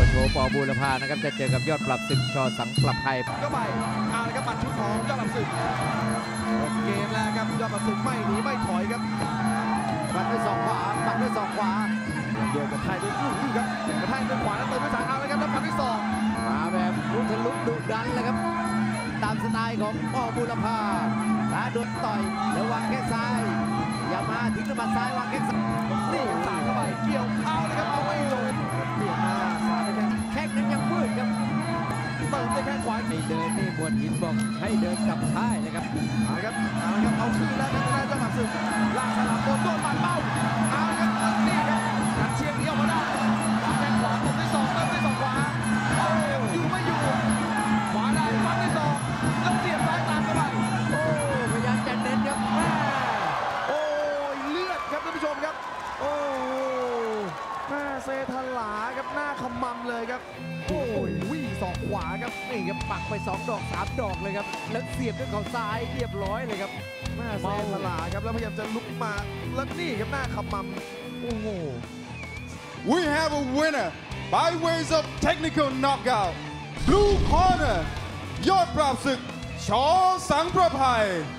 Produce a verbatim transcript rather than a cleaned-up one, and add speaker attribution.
Speaker 1: โทปอบูรพานะครับจะเจอกับยอดปรับศึกชอสังประภัย
Speaker 2: ก็ไปเอาละครับหมัดชุดของยอดปรับศึกเกมแล้วครับยอดปรับศึกไม่หนีไม่ถอยครับปัดด้วยศอกขวาปัดด้วยศอกขวาโยนกระแทกด้วยลูกนี่ครับกระแทกด้วยขวาแล้วเติมด้วยซ้ายเอาเลยครับแล้วปัดด้วยศอก
Speaker 1: มาแบบลุกทะลุดุดันเลยครับตามสไตล์ของปอบูรพาขาโดนต่อยแล้ววางแข้งซ้ายอย่ามาถึงน้ำมันซ้ายวางแข้งซ้าย
Speaker 2: นี่สายเข้าไปเกี่ยวเอาเลยครับเอาไม่ลงเปลี่ยนมาสายไปแข้ง
Speaker 1: แข้งนั้นยังมืดครับ
Speaker 2: เติมด้วยแข้งขวา
Speaker 1: ให้เดินนี่บนหินบอกให้เดินกลับค่ายเลยครับ
Speaker 2: เอาละครับเอาละครับเอาคืนแล้วครับได้เจ้าหมัดศึกล่างฉลามโดนโดนปัดเป้าเอาละครับนี่ครับกันเชียงเดียวมาได้วางแข้งขวาตบด้วยศอกเติมด้วยศอกขวาโอ้อยู่ไม่อยู่ขวาได้วางด้วยศอกแล้วเสียบซ้ายตามเข้าไป
Speaker 1: โอ้พยายามจะเน้นครับแม่
Speaker 2: โอ้เลือดครับท่านผู้ชมครับโอ้แม่เซทลาครับหน้าขมำเลยครับโอ้ยวิ่งศอกขวาครับ
Speaker 1: นี่ครับปักไปสองดอกสามดอกเลยครับแล้วเสียบด้วยเข่าซ้ายเรียบร้อยเลยครับ
Speaker 2: แม่เซทลาครับแล้วพยายามจะลุกมาแล้วนี่ครับหน้าขมำโอ้โห
Speaker 3: We have a winner by ways of technical knockout Blue Corner ยอดปราบศึกชอสังประภัย